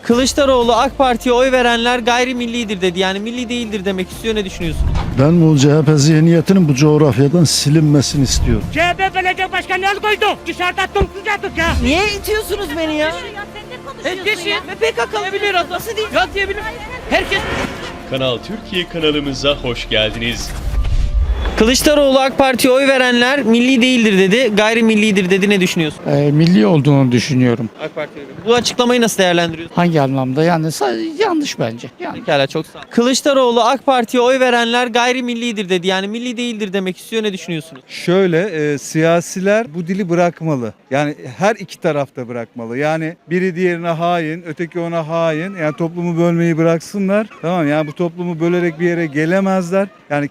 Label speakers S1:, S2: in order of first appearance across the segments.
S1: Kılıçdaroğlu AK Parti'ye oy verenler gayrimillidir dedi. Yani milli değildir demek istiyor. Ne düşünüyorsunuz?
S2: Ben bu CHP zihniyetinin bu coğrafyadan silinmesini istiyorum.
S3: CHP belediye başkanı el koydu. Dışarıda toplayacaktık ya.
S1: Niye itiyorsunuz beni ya?
S3: Herkes ya.
S1: Ve PKK'lı
S3: Bilir adam.
S1: nasıl değil?
S3: Ya diyebilir. Herkes.
S4: Kanal Türkiye kanalımıza hoş geldiniz.
S1: Kılıçdaroğlu AK Parti'ye oy verenler milli değildir dedi. Gayrimillidir dedi. Ne düşünüyorsun?
S5: Milli olduğunu düşünüyorum.
S1: AK Parti'ye Bu açıklamayı nasıl değerlendiriyorsun?
S5: Hangi anlamda? Yani yanlış bence. Yani
S1: Pekala, çok sağ ol. Kılıçdaroğlu AK Parti'ye oy verenler gayrimillidir dedi. Yani milli değildir demek istiyor. Ne düşünüyorsunuz?
S6: Şöyle siyasiler bu dili bırakmalı. Yani her iki tarafta bırakmalı. Yani biri diğerine hain, öteki ona hain. Yani toplumu bölmeyi bıraksınlar. Tamam, yani bu toplumu bölerek bir yere gelemezler. Yani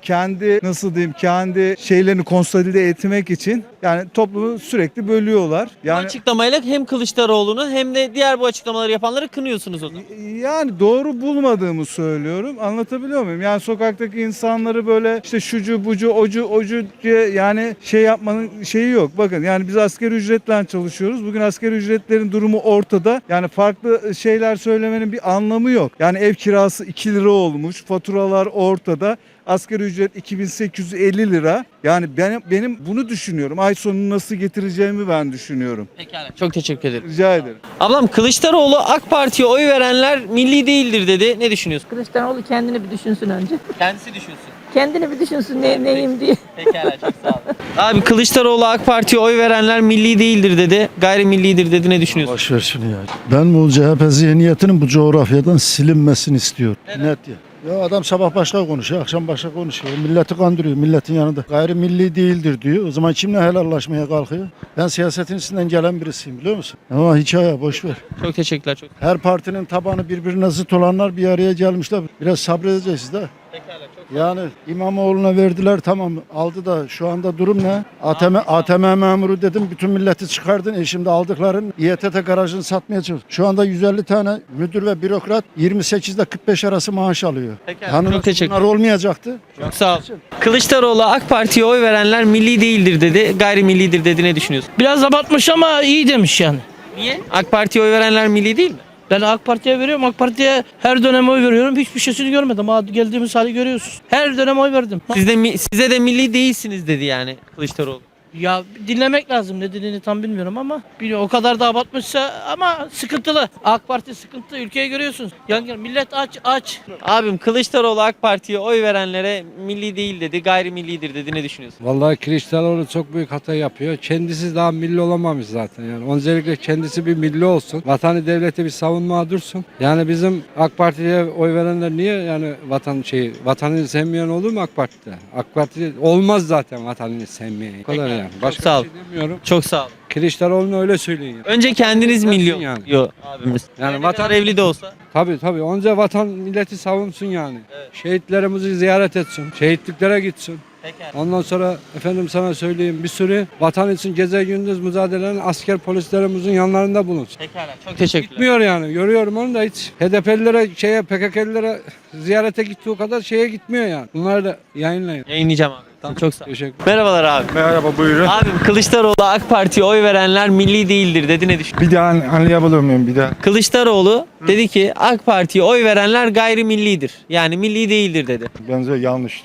S6: kendi şeylerini konsolide etmek için yani toplumu sürekli bölüyorlar.
S1: Bu
S6: Yani
S1: açıklamayla hem Kılıçdaroğlu'nu hem de diğer bu açıklamaları yapanları kınıyorsunuz o zaman.
S6: Yani doğru bulmadığımı söylüyorum. Anlatabiliyor muyum? Yani sokaktaki insanları böyle işte şucu bucu ocu diye yani şey yapmanın şeyi yok. Bakın yani biz asgari ücretle çalışıyoruz. Bugün asgari ücretlerin durumu ortada. Yani farklı şeyler söylemenin bir anlamı yok. Yani ev kirası 2 lira olmuş. Faturalar ortada. Asgari ücret 2850 lira. Yani benim bunu düşünüyorum. Ay sonunu nasıl getireceğimi ben düşünüyorum.
S1: Pekala. Çok teşekkür ederim.
S6: Rica ederim.
S1: Ablam, Kılıçdaroğlu AK Parti'ye oy verenler milli değildir dedi. Ne düşünüyorsun?
S7: Kılıçdaroğlu kendini bir düşünsün önce.
S1: Kendisi düşünsün.
S7: Kendini bir düşünsün neyim diye.
S1: Pekala, çok sağ ol. Abi, Kılıçdaroğlu AK Parti'ye oy verenler milli değildir dedi. Gayrimillidir dedi. Ne düşünüyorsun?
S2: Boş ver şunu ya. Ben bu CHP zihniyetinin bu coğrafyadan silinmesini istiyorum. Net ya. Ya adam sabah başka konuşuyor, akşam başka konuşuyor. Milleti kandırıyor, milletin yanında. Gayrimilli değildir diyor. O zaman kimle helallaşmaya kalkıyor? Ben siyasetin içinden gelen birisiyim, biliyor musun? Ama hikaye boş ver.
S1: Çok teşekkürler. Çok.
S2: Her partinin tabanı birbirine zıt olanlar bir araya gelmişler. Biraz sabredeceğiz de.
S1: Pekala, çok.
S2: Yani İmamoğlu'na verdiler, tamam aldı da şu anda durum ne? ATM memuru dedim, bütün milleti çıkardın. Şimdi aldıkların İETT garajını satmaya çalışıyor. Şu anda 150 tane müdür ve bürokrat 28 ile 45 arası maaş alıyor.
S1: Pekala, çok teşekkür
S2: Bunlar olmayacaktı.
S1: Çok sağ ol. Kılıçdaroğlu AK Parti'ye oy verenler milli değildir dedi. Gayrimillidir dedi. Ne düşünüyorsun?
S3: Biraz abartmış ama iyi demiş yani.
S1: Niye? AK Parti'ye oy verenler milli değil mi?
S3: Ben AK Parti'ye veriyorum. AK Parti'ye her dönem oy veriyorum. Hiçbir şeysini görmedim. Geldiğimiz hali görüyorsunuz. Her dönem oy verdim.
S1: Size de milli değilsiniz dedi yani Kılıçdaroğlu.
S3: Ya dinlemek lazım, ne dediğini tam bilmiyorum ama o kadar da abartmışsa ama sıkıntılı. AK Parti sıkıntı, ülkeyi görüyorsunuz. Yani millet aç.
S1: Abim, Kılıçdaroğlu AK Parti'ye oy verenlere milli değil dedi, gayrimillidir dedi. Ne düşünüyorsun?
S8: Vallahi Kılıçdaroğlu çok büyük hata yapıyor. Kendisi daha milli olamamış zaten yani. Öncelikle kendisi bir milli olsun. Vatanı devleti bir savunmaya dursun. Yani bizim AK Parti'ye oy verenler niye yani vatanını sevmeyen olur mu AK Parti'de? AK Parti olmaz zaten vatanını sevmeyen. O kadar yani. Başka
S1: sağ ol.
S8: bir şey demiyorum.
S1: Çok sağ ol.
S8: Kılıçdaroğlu'na öyle söyleyin.
S1: Önce kendiniz milli olun
S8: Yani.
S1: diyor abimiz.
S8: Yani
S1: Ne
S8: vatan
S1: kadar evli de olsa.
S8: Tabii. Önce vatan milleti savunsun yani. Şehitlerimizi ziyaret etsin. Şehitliklere gitsin.
S1: Pekala.
S8: Ondan sonra efendim sana söyleyeyim bir sürü vatan için gece gündüz mücadele eden asker polislerimizin yanlarında bulunsun.
S1: Pekala. Çok teşekkürler.
S8: Gitmiyor yani. Görüyorum onu da hiç. HDP'lilere PKK'lilere ziyarete gittiği kadar şeye gitmiyor yani. Bunları da yayınlayın.
S1: Yayınlayacağım abi. Tamam, çok sağ ol.
S8: Teşekkür.
S1: Merhabalar abi.
S9: Merhaba, buyurun.
S1: Abim, Kılıçdaroğlu AK Parti'ye oy verenler milli değildir dedi. Ne düşünüyorsun?
S9: Bir daha anlayabilir miyim bir daha?
S1: Kılıçdaroğlu dedi ki AK Parti'ye oy verenler gayrimillidir. Yani milli değildir dedi.
S9: Bence yanlış.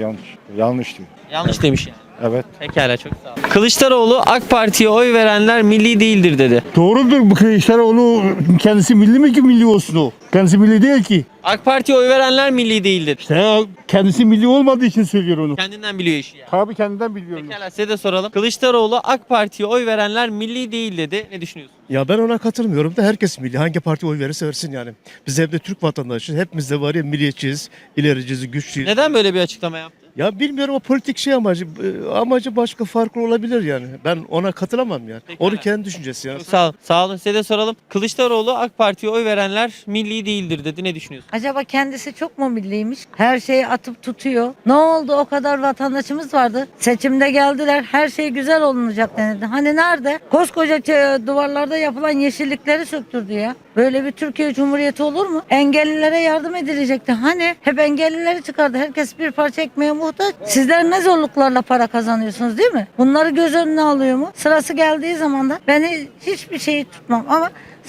S9: Yanlış diyor.
S1: Yanlış demiş yani.
S9: Evet.
S1: Pekala, çok sağ ol. Kılıçdaroğlu AK Parti'ye oy verenler milli değildir dedi.
S10: Doğrudur, bu Kılıçdaroğlu kendisi milli mi ki milli olsun o? Kendisi milli değil ki.
S1: AK Parti'ye oy verenler milli değildir.
S10: İşte kendisi milli olmadığı için söylüyor onu.
S1: Kendinden biliyor işi yani.
S10: Tabii kendinden biliyorum.
S1: Pekala, size de soralım. Kılıçdaroğlu AK Parti'ye oy verenler milli değil dedi. Ne düşünüyorsun?
S11: Ya ben ona katılmıyorum da herkes milli. Hangi parti oy verirse versin yani. Biz hep de Türk vatandaşıyız. Hepimiz de var ya milliyetçiyiz, ilericiyiz, güçlüyüz.
S1: Neden böyle bir açıklama yaptı?
S11: Ya bilmiyorum, o politik şey amacı başka farklı olabilir yani. Ben ona katılamam yani.
S1: Pekala.
S11: Onun kendi düşüncesi yani.
S1: Çok sağ ol. Sağ olun. Size de soralım. Kılıçdaroğlu AK Parti'ye oy verenler milli değildir dedi. Ne düşünüyorsun?
S7: Acaba kendisi çok mu milliymiş? Her şeyi atıp tutuyor. Ne oldu, o kadar vatandaşımız vardı. Seçimde geldiler, her şey güzel olunacak denildi. Hani nerede? Koskoca duvarlarda yapılan yeşillikleri söktürdü ya. Böyle bir Türkiye Cumhuriyeti olur mu? Engellilere yardım edilecekti. Hani hep engellileri çıkardı. Herkes bir parça ekmeğe muhtaç. Sizler ne zorluklarla para kazanıyorsunuz, değil mi? Bunları göz önüne alıyor mu? Sırası geldiği zaman da ben hiçbir şeyi tutmam ama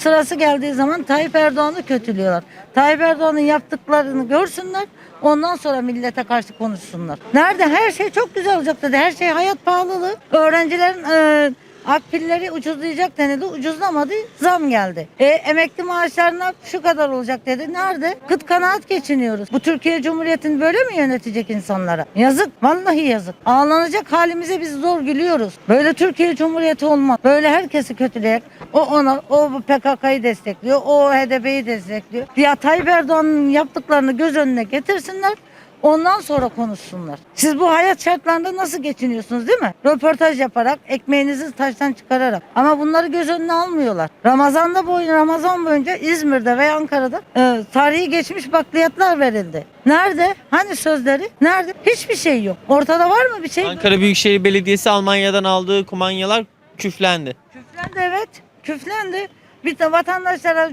S7: Sırası geldiği zaman Tayyip Erdoğan'ı kötülüyorlar. Tayyip Erdoğan'ın yaptıklarını görsünler. Ondan sonra millete karşı konuşsunlar. Nerede? Her şey çok güzel olacak dedi. Her şey hayat pahalılığı. Öğrencilerin akbilleri ucuzlayacak denildi. Ucuzlamadı. Zam geldi. Emekli maaşlarına şu kadar olacak dedi. Nerede? Kıt kanaat geçiniyoruz. Bu Türkiye Cumhuriyeti'ni böyle mi yönetecek insanlara? Yazık. Vallahi yazık. Ağlanacak halimize biz zor gülüyoruz. Böyle Türkiye Cumhuriyeti olmaz. Böyle herkesi kötüleyerek o PKK'yı destekliyor. O HDP'yi destekliyor. Ya Tayyip Erdoğan'ın yaptıklarını göz önüne getirsinler. Ondan sonra konuşsunlar. Siz bu hayat şartlarında nasıl geçiniyorsunuz değil mi? Röportaj yaparak, ekmeğinizi taştan çıkararak. Ama bunları göz önüne almıyorlar. Ramazan boyunca İzmir'de ve Ankara'da tarihi geçmiş bakliyatlar verildi. Nerede? Hani sözleri? Nerede? Hiçbir şey yok. Ortada var mı bir şey?
S1: Ankara Büyükşehir Belediyesi Almanya'dan aldığı kumanyalar küflendi.
S7: Küflendi, evet. Küflendi. Bir de vatandaşlara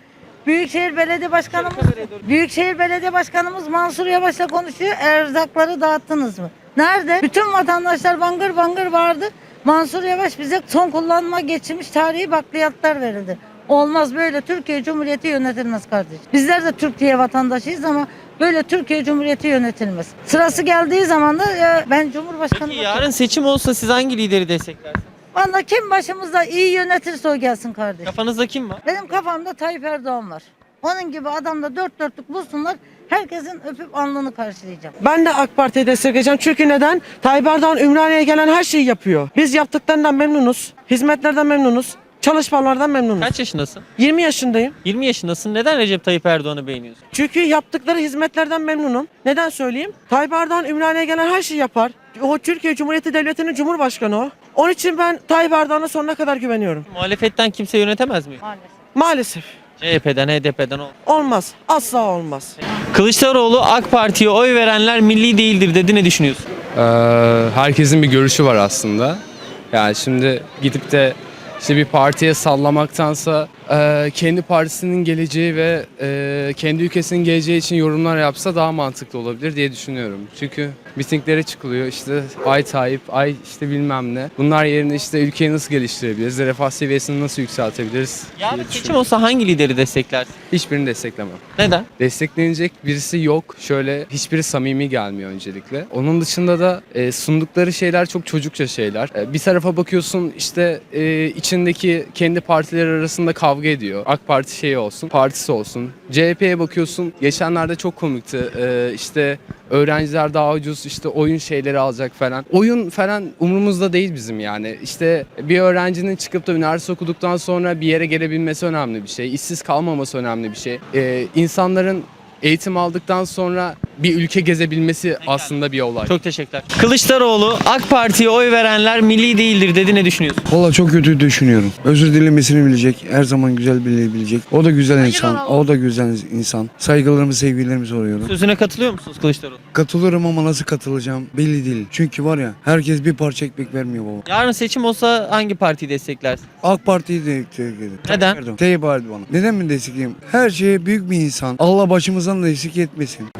S7: Büyükşehir Belediye Başkanımız Mansur Yavaş'la konuşuyor. Erzakları dağıttınız mı? Nerede? Bütün vatandaşlar bangır bangır bağırdı. Mansur Yavaş bize son kullanıma geçmiş tarihi bakliyatlar verildi. Olmaz, böyle Türkiye Cumhuriyeti yönetilmez kardeşim. Bizler de Türkiye vatandaşıyız ama böyle Türkiye Cumhuriyeti yönetilmez. Sırası geldiği zaman da ben Cumhurbaşkanı...
S1: Peki yarın seçim olsa siz hangi lideri desteklersiniz?
S7: Vallahi kim başımızda iyi yönetirse o gelsin kardeşim.
S1: Kafanızda kim var?
S7: Benim kafamda Tayyip Erdoğan var. Onun gibi adam da dört dörtlük bulsunlar. Herkesin öpüp alnını karşılayacağım.
S12: Ben de AK Parti'yi destekleyeceğim. Çünkü neden? Tayyip Erdoğan Ümraniye'ye gelen her şeyi yapıyor. Biz yaptıklarından memnunuz. Hizmetlerden memnunuz. Çalışmalardan memnunuz.
S1: Kaç yaşındasın?
S12: 20 yaşındayım.
S1: 20 yaşındasın. Neden Recep Tayyip Erdoğan'ı beğeniyorsun?
S12: Çünkü yaptıkları hizmetlerden memnunum. Neden söyleyeyim? Tayyip Erdoğan Ümraniye'ye gelen her şeyi yapar. O Türkiye Cumhuriyeti Devleti'nin Cumhurbaşkanı o. Onun için ben Tayyip Erdoğan'a sonuna kadar güveniyorum.
S1: Muhalefetten kimse yönetemez mi?
S12: Maalesef.
S1: CHP'den, HDP'den
S12: Olmaz. Asla olmaz.
S1: Kılıçdaroğlu AK Parti'ye oy verenler milli değildir dedi. Ne düşünüyorsun?
S8: Herkesin bir görüşü var aslında. Yani şimdi gidip de işte bir partiye sallamaktansa kendi partisinin geleceği ve kendi ülkesinin geleceği için yorumlar yapsa daha mantıklı olabilir diye düşünüyorum. Çünkü mitinglere çıkılıyor işte ay Tayyip, ay işte bilmem ne. Bunlar yerine işte ülkeyi nasıl geliştirebiliriz, refah seviyesini nasıl yükseltebiliriz
S1: Yarın
S8: diye
S1: seçim
S8: düşünüyorum.
S1: olsa hangi lideri desteklersin?
S8: Hiçbirini desteklemem.
S1: Neden?
S8: Desteklenecek birisi yok. Şöyle hiçbiri samimi gelmiyor öncelikle. Onun dışında da sundukları şeyler çok çocukça şeyler. Bir tarafa bakıyorsun işte içindeki kendi partileri arasında kavga ediyor. AK Parti şeyi olsun, partisi olsun. CHP'ye bakıyorsun. Geçenlerde çok komikti. İşte öğrenciler daha ucuz işte oyun şeyleri alacak falan. Oyun falan umurumuzda değil bizim yani. İşte bir öğrencinin çıkıp da üniversite okuduktan sonra bir yere gelebilmesi önemli bir şey. İşsiz kalmaması önemli bir şey. İnsanların eğitim aldıktan sonra bir ülke gezebilmesi aslında bir olay.
S1: Çok teşekkürler. Kılıçdaroğlu AK Parti'ye oy verenler milli değildir dedi. Ne düşünüyorsun?
S10: Valla çok kötü düşünüyorum. Özür dilemesini bilecek. Her zaman güzel bilecek. O da güzel insan. O da güzel insan. Saygılarımı, sevgilerimi soruyorum.
S1: Sözüne katılıyor musunuz Kılıçdaroğlu?
S10: Katılırım ama nasıl katılacağım belli değil. Çünkü var ya herkes bir parça ekmek vermiyor baba.
S1: Yarın seçim olsa hangi partiyi desteklersin?
S10: AK Parti'yi de destekledim.
S1: Neden?
S10: Tayyip Erdoğan. Neden mi destekleyeyim? Her şeye büyük bir insan. Allah başımızdan da eksik etmesin.